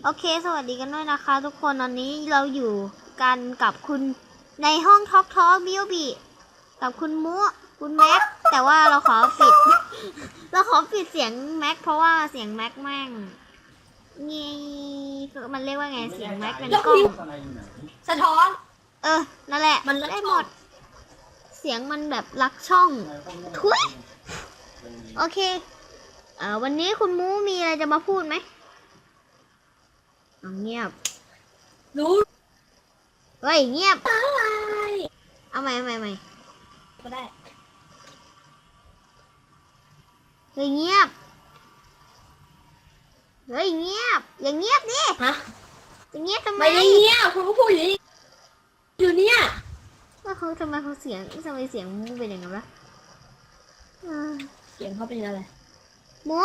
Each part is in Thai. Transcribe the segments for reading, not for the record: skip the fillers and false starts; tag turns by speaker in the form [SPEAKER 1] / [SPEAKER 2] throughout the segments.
[SPEAKER 1] โอเคสวัสดีกันด้วยนะคะทุกคนตอนนี้เราอยู่กันกับคุณในห้องท็อกบิวบีกับคุณมุคุณแม็กแต่ว่าเราขอปิด เราขอปิดเสียงแม็กเพราะว่าเสียงแม็กแม่งงี้มันเรียกว่าไงเสียงแม็กเป็นกล้อง
[SPEAKER 2] สะท้อน
[SPEAKER 1] นั่นแหละมันได้หมดเสียงมันแบบลักช่องทุยโอเควันนี้คุณมูมีอะไรจะมาพูดไหมเงียบ
[SPEAKER 2] รู้
[SPEAKER 1] เฮ้ยเงียบ
[SPEAKER 2] อะไร
[SPEAKER 1] เอาใหม่
[SPEAKER 2] ก็ได้
[SPEAKER 1] เฮ้ยเงียบอย่างเงียบดิ
[SPEAKER 2] ฮะ
[SPEAKER 1] จะเงียบทำไม
[SPEAKER 2] ไม่ได้เงี้ยคุณก็พูดอยู่เนี่ย
[SPEAKER 1] ว่าเขาทำไมเสียงมูเป็นอย่างนั้นวะ
[SPEAKER 2] เสียงเขาเป็นอะไร
[SPEAKER 1] มู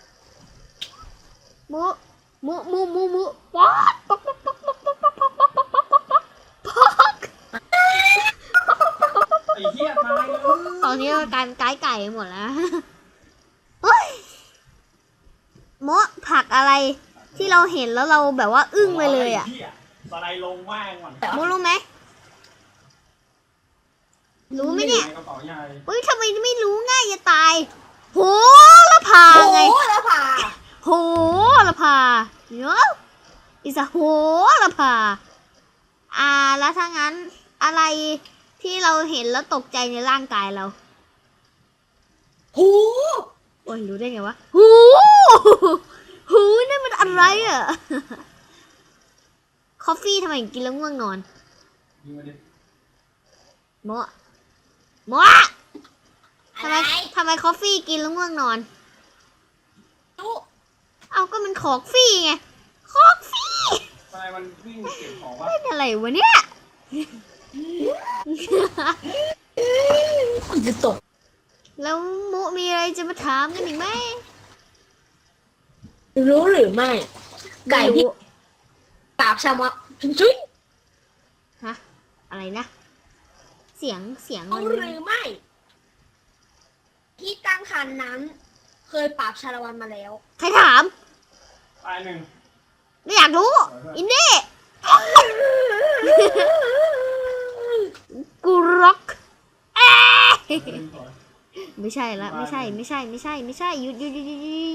[SPEAKER 1] ป๊อก
[SPEAKER 3] ไอ้เหี้ยตายเลย
[SPEAKER 1] ตอนนี้การไก่หมดแล้วเฮ้ยโมผักอะไรที่เราเห็นแล้วเราแบบว่าอึ้งไปเลยอ่ะ
[SPEAKER 3] สไลด์ลงว่างก่อน
[SPEAKER 1] โมรู้ไหมรู้ไหมเนี่ย
[SPEAKER 3] กระเป๋าใหญ่
[SPEAKER 1] เฮ้ยทำไมไม่รู้ง่ายจะตายโหละพาไง
[SPEAKER 2] โอ้แล้วผ่า
[SPEAKER 1] โหละพาเนาะอิสโหละพาแล้วถ้างั้นอะไรที่เราเห็นแล้วตกใจในร่างกายเรา
[SPEAKER 2] หู
[SPEAKER 1] โอ้ยรู้ได้ไงวะหูนั่นมันอะไรอ่ะ คอฟฟี่ทำไมกินแล้วง่วงนอน
[SPEAKER 3] ยิงมาดิ
[SPEAKER 1] โมทำ
[SPEAKER 2] อะไร
[SPEAKER 1] ไมคอฟฟี่กินแล้วง่วงนอน
[SPEAKER 2] รู้
[SPEAKER 1] เอาก็มันคอกฟี่ไงคอกฟี่
[SPEAKER 3] ทำไมมันวิ่งเก็บของวะ
[SPEAKER 1] เล่นอะไรวะเนี่ย
[SPEAKER 2] มันจะตก
[SPEAKER 1] แล้วมุมีอะไรจะมาถามกันอีกไหม
[SPEAKER 2] รู้หรือไม่ ไก่ที่ปราบชาวมะจุ๊ย
[SPEAKER 1] ฮะอะไรนะเสียง
[SPEAKER 2] รู้
[SPEAKER 1] มัน
[SPEAKER 2] หรือไม่ ที่ตั้งคันนั้น เคยปราบชาละวันมาแล้ว
[SPEAKER 1] ใครถาม
[SPEAKER 3] ตายหนึ่ง
[SPEAKER 1] ไม่อยากรู้ อินดี้กูร็อกไม่ใช่ละไม่ใช่หยุด